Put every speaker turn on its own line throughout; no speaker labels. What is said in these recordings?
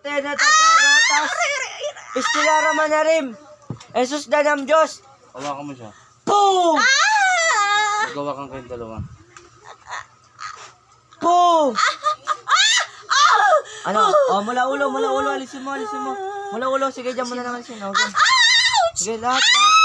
tena tatas. Istilara manarim. Jesus danam Diyos.
Hawakan mo siya.
Boom!
Magawa kang kayong dalawa.
Boom! Ano? Oh, mula ulo, alisin mo. Mula ulo, sige, dyan mo na naman siya. Okay. Sige, lahat.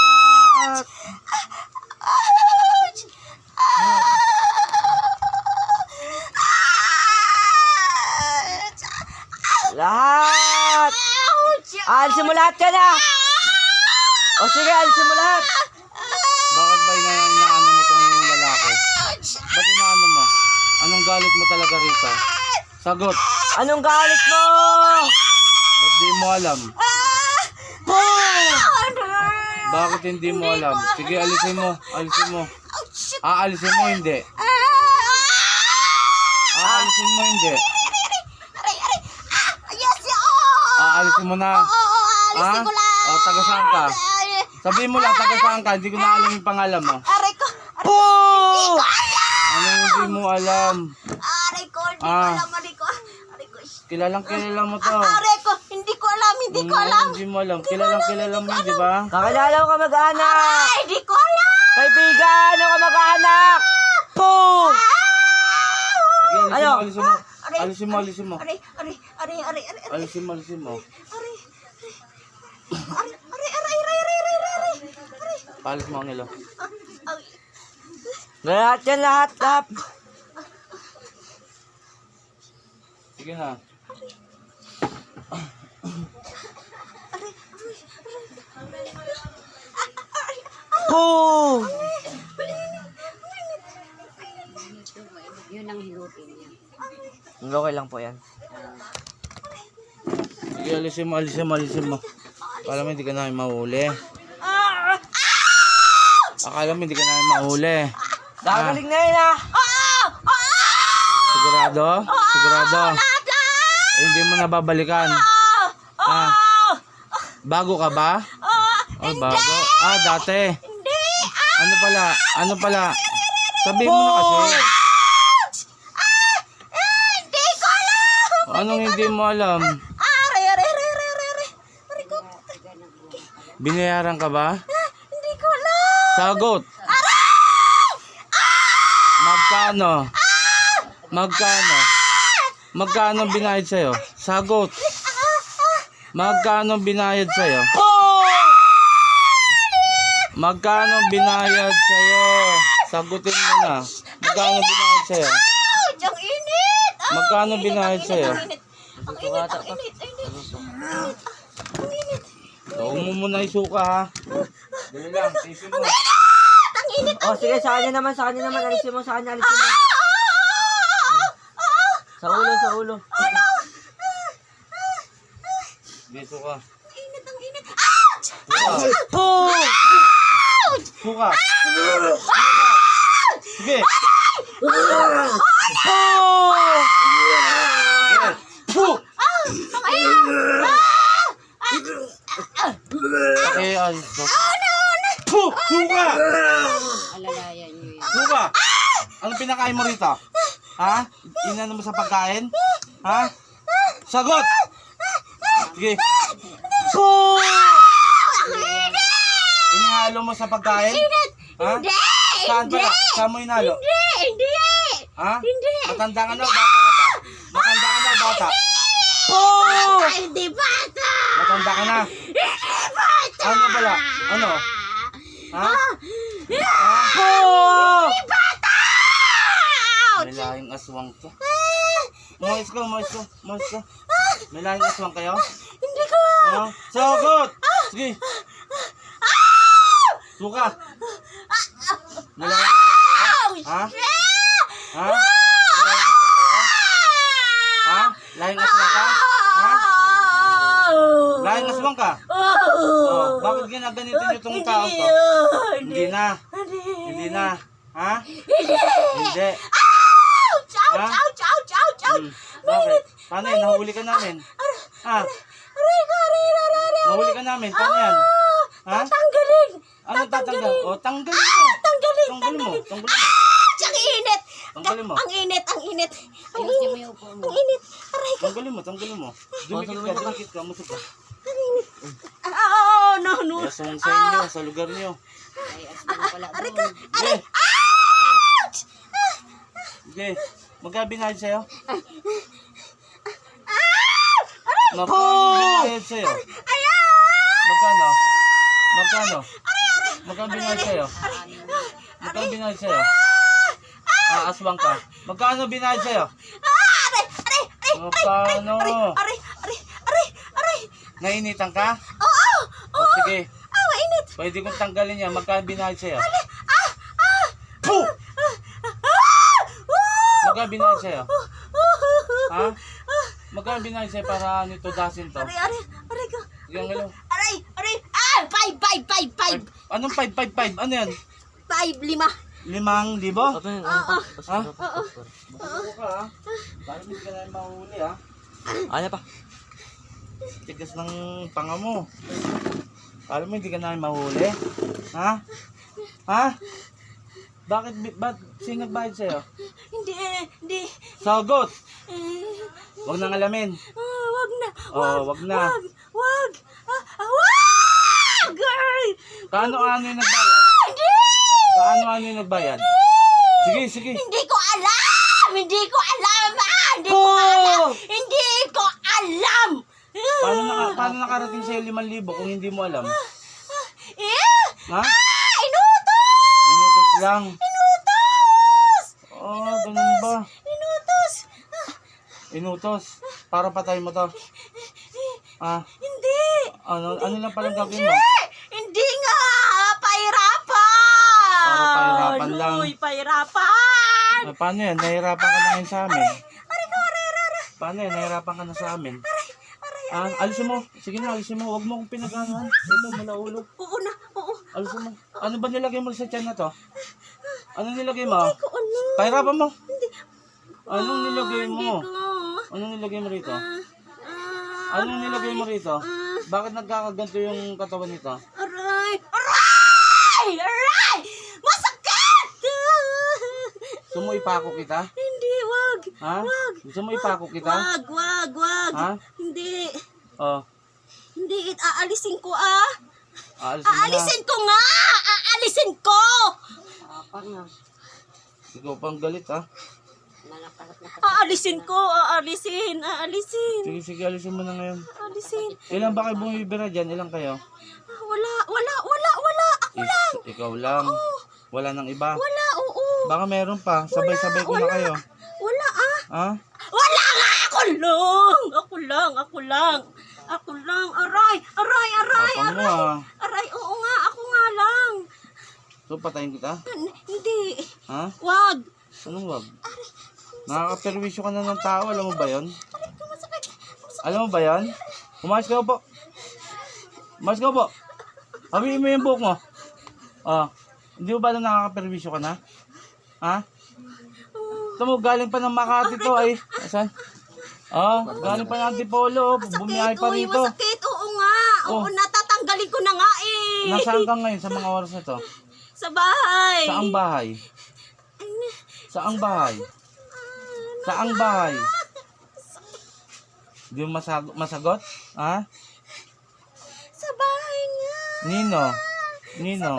Lahat! Alisin mo lahat ka na! O sige, alisin mo lahat!
Bakit ba inaano mo tong lalaki? Ba't inaano mo? Anong galit mo talaga rito? Sagot!
Anong galit mo?
Ba't di mo alam?
Boom!
Bakit hindi mo alam? Sige, alisin mo. Alisin mo, hindi. Alisin mo, hindi. Alisin mo na.
Alisin ko lang.
O, taga saan ka? Sabihin mo lang, taga saan ka? Hindi ko na alam yung pangalan mo.
Aray ko.
Boom!
Anong hindi mo alam?
Aray ko. Hindi ko alam.
Kilalang kilala mo to.
Aray ko. Hindi ko alam. Hindi ko alam.
Hindi mo alam. Kilalang kilala mo yun, di ba?
Kakilala ko mag-anak!
Aray, hindi ko alam.
Kaibigan, ako mag-anak! Boom!
Sige,
Ano?
alisin mo. Alisin mo.
Aray.
Alisin mo. Palis mo ang ilo.
Lahat yan, lahat.
Sige na.
Boom!
Yun ang hilutin niya.
Okay lang po yan.
Sige, alisin mo. Akala mo hindi ka namin mahuli.
Gagaling na yun, ha?
Sigurado? Hindi mo nababalikan. Bago ka ba? Oh, bago. Dati.
Hindi.
Ano pala? Sabihin mo na kasi.
Hindi ko alam.
Anong hindi mo alam?
Aray ko.
Binayaran ka ba?
Hindi ko alam.
Sagot. Magkano binayad sa'yo? Sagot. Magkano binayad sa'yo? Magkano binayad sa'yo? Sagutin mo na. Magkano binayad sa'yo?
Ang init.
Magkano binayad sa'yo?
Ang init.
Huwag mo muna isuka, ha? Dali lang, tisin mo.
Ang init.
O, sige, sa kanya naman. Alisin mo. Sa ulo.
Dito ka.
Ang init.
Boom!
Suka. Sige.
Boom!
Alis ko. Suka!
Alalayan niyo yun.
Suka! Anong pinakain mo rito? Ha? Inano mo sa pagkain? Ha? Sagot! Sige.
Boom!
Inihalo mo sa pagkain? Ha? Saan pala? Saan mo inalo?
Hindi.
Ha? Matanda ka na o bata ka pa?
Boom!
Hindi bata.
Matanda ka na? Ano pala? Ano? Ha?
Boom!
May lahing aswang to. Umayos ka. May lahing aswang kayo?
Hindi ko.
Sagot! Sige. Suka. May lahing aswang kayo? Ha? Lahing aswang ka? Ha? Lahing aswang ka? Bakit ginaganito nyo itong tao to? Hindi na. Ha? Hindi.
Ouch!
Bakit? Paano yan? Nahuli ka namin. Ha? Nahuli ka namin. Paano yan? Ha?
Tanggalin.
Anong tatanggal? O, tanggalin mo. Tanggalin mo.
Ang init.
Tanggalin mo.
Ang init, ang init. Ang
Ayusin mo
init.
yung upo mo.
Ang init. Aray ko.
Tanggalin mo. Dumikit ka, musog ka.
Oh, no, no.
Kaya sa inyo, sa lugar niyo.
Ay, aswang pala
Aray ko.
doon.
Sige.
Ouch!
Sige. Magkano binayad sa'yo?
Aray!
Magkano binayad sa'yo?
Ayan!
Magkano? Magkano binayad sa'yo? Magkano binayad sa'yo? Aswang ka. Magkano binayad sa'yo?
Aray! Aray! Aray!
Magkano?
Aray! Aray! Aray! Aray!
Nainitan ka?
Oo!
O sige.
Ah, mainit!
Pwede kong tanggalin yan. Magkano binayad sa'yo?
Ah!
Puh! Magkano binayad sa'yo? Ha? Magkano binayad sa'yo para nito dasin to?
Aray! Aray! Aray ko!
Sige, ang ilo.
Aray! Aray! Ah! Five!
Anong 5? Ano yan?
5, 5.
5,000?
Oo.
Ha? Buko ka ha? Parang hindi ka na mahuli ha?
Ano pa?
Tigas ng panga mo. Alam mo hindi ka na mahuli? Ha? Ha? Ba't sino nagbayad sa'yo?
Hindi.
Sagot!
Eh,
Huwag nang alamin.
wag na.
Wag na.
Wag. Wag! Girl!
Kaano yung nagbayad?
Hindi!
Kaano yung nagbayad? Sige.
Hindi ko alam! Hindi ko alam! Hindi ko alam!
Paano nakarating sa'yo 5,000 kung hindi mo alam? Ha?
Inutos!
Inutos lang.
Inutos!
Ganun ba?
Inutos!
Inutos. Para patay mo to.
Hindi!
Ano lang palang gagawin mo?
Hindi nga! Pahirapan!
Para pahirapan lang.
Uy, pahirapan!
Paano yan? Nahirapan ka na ngayon sa amin. Paano yan? Nahirapan ka na sa amin. Alisin mo. Sige na, alisin mo. Huwag mo akong pinag-anuhan. Ito, malaulo.
Oo na, oo.
Alisin mo. Ano ba nilagay mo sa tiyan na to? Anong nilagay mo?
Hindi ko ano.
Pahirapan mo.
Hindi.
Anong nilagay
Hindi
mo?
ko.
Anong nilagay mo rito?
Ah,
Anong nilagay mo rito? Bakit nagkakaganto yung katawan nito?
aray! Aray! Aray! Masakit!
Gusto mo ipako kita?
Hindi, wag.
Ha?
Wag.
Gusto mo ipako kita?
Wag.
Ha?
Hindi.
Oh.
Hindi, aalisin ko ah.
Aalisin mo na.
Aalisin ko nga! Aalisin ko!
Pag na.
Ikaw pang galit ha.
Aalisin ko, aalisin.
Sige, alisin mo na ngayon.
Aalisin.
Ilan ba kayo bumibira dyan? Ilan kayo?
Wala. Ako lang.
Ikaw lang. Wala nang iba.
Wala, oo.
Baka meron pa. Sabay-sabay ko na kayo.
Wala ah.
Ha?
Wala nga! Ako lang. Aray!
Tapang mo ha.
Aray, oo nga. Ako nga lang.
So, patayin kita?
Hindi.
Ha?
Wag.
Anong wag? Nakakaperwisyo ka na ng tao. Alam mo ba yon? Alam mo ba yon? Umayos ka po. Habihin mo yung buhok mo. Hindi mo ba na nakakaperwisyo ka na? Ha? Ito mo, galing pa ng Makati to ay. Asan? Galing pa ng Antipolo. Bumiyahe pa rito.
Masakit. Oo nga. Oo, natatanggalin ko na nga eh.
Nasaan ka ngayon sa mga oras na to?
Sa bahay.
Saang bahay? Saang bahay? Saang bahay? Hindi mo masagot? Ha?
Sa bahay nga.
Nino?
Hindi.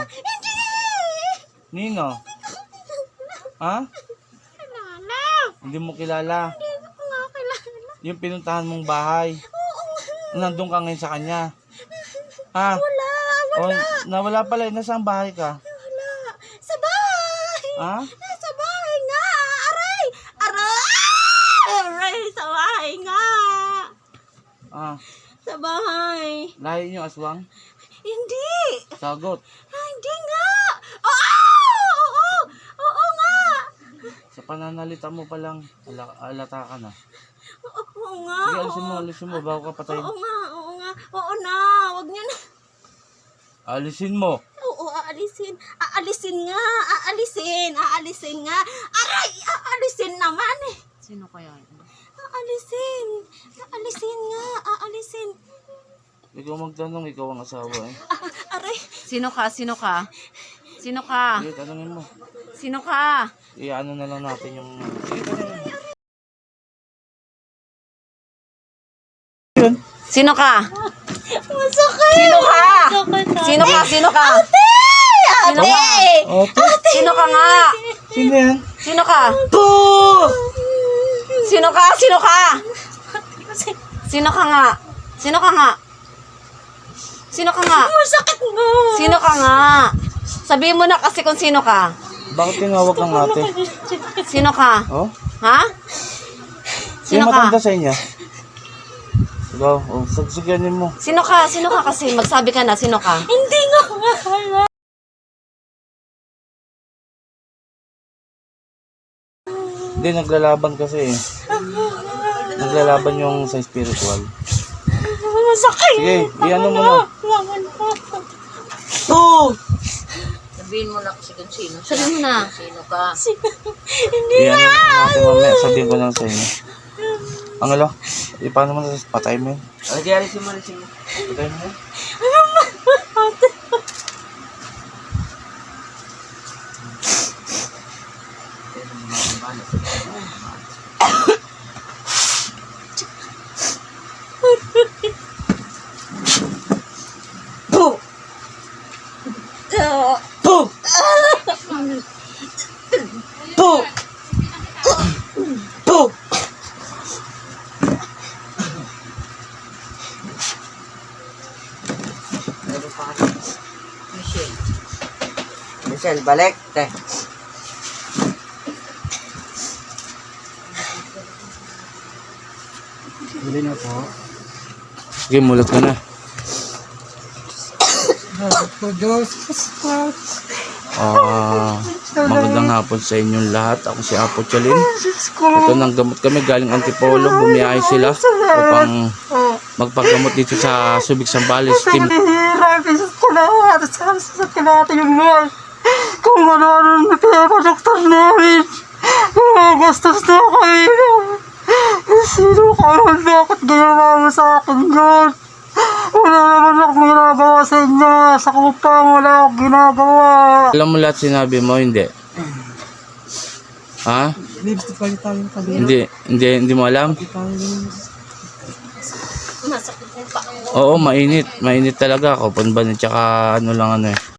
Nino? Ha?
Kilala.
Hindi mo kilala.
Hindi ko nga kilala.
Yung pinuntahan mong bahay.
Oo nga.
Nandun ka ngayon sa kanya. Ha?
Wala.
O, nawala pala. Nasaan bahay ka?
Wala. Sa bahay.
Ha?
Sa bahay nga. Aray. Sa bahay nga. Sa bahay.
Lahi niyo aswang?
Hindi.
Sagot.
Hindi nga. Oo nga.
Sa pananalita mo palang alata ka na.
Oo nga.
Sige, alisin mo bago ka patayin.
Oo nga. Oo na. Wag niyo na.
Alisin mo.
Oo, aalisin. Aalisin nga. Aalisin nga. Aray! Aalisin naman eh.
Sino kaya?
Aalisin nga. Aalisin.
Ikaw magtanong, ikaw ang asawa eh.
Aray.
Sino ka?
Sige, tanongin mo.
Sino ka?
i-ano na lang natin yung... Sige, ito na yun. Yun.
Sino ka?
Masakit.
Sino ka?
Sino ka?
Sino ka? Sino ka?
Ate,
Sino ka nga?
sino yan?
Sino ka? Sino ka? Sino ka? Sino ka nga? Sino ka nga? Sino ka nga?
Masakit mo.
Sino ka nga? Sabihin mo na kasi kung sino ka.
Bakit tinawag kang ate?
Sino ka?
Oh?
Ha?
Sino
Sino
matanda
ka?
sa inyo? Ikaw, oh, sagsiganin mo.
Sino ka? Sino ka kasi? Magsabi ka na, sino ka?
Hindi nga mahala.
Hindi, naglalaban kasi eh. Naglalaban yung sa spiritual.
Masakit.
Sige, iano mo na.
Sabihin mo na kasi kung sino.
Sabihin mo na.
Sino ka?
Iano mo na natin mamaya. Sabihin ko lang sa inyo. Ang alo, paano mo na patay mo yun?
Alisin mo.
Patay mo yun?
Michelle.
Michelle, balik. Te.
Sige, mulat ka na. Magandang hapon sa inyong lahat. Ako si Apo Chalin. Ito nang gamot kami galing Antipolo. Bumiyahe sila upang magpagamot dito sa Subic Zambales Team.
Kung ano-ano na pinapadoktor namin. Gastos na kami. Sino ka naman? Bakit ginawa mo sa akin yun? Wala naman akong ginagawa sa inyo. Sa kupang wala akong ginagawa.
Alam mo lahat sinabi mo, hindi? Ha? Hindi mo alam?
Masakit mo pa.
Oo, mainit. Mainit talaga. Kaupan ba? Tsaka ano lang ano eh.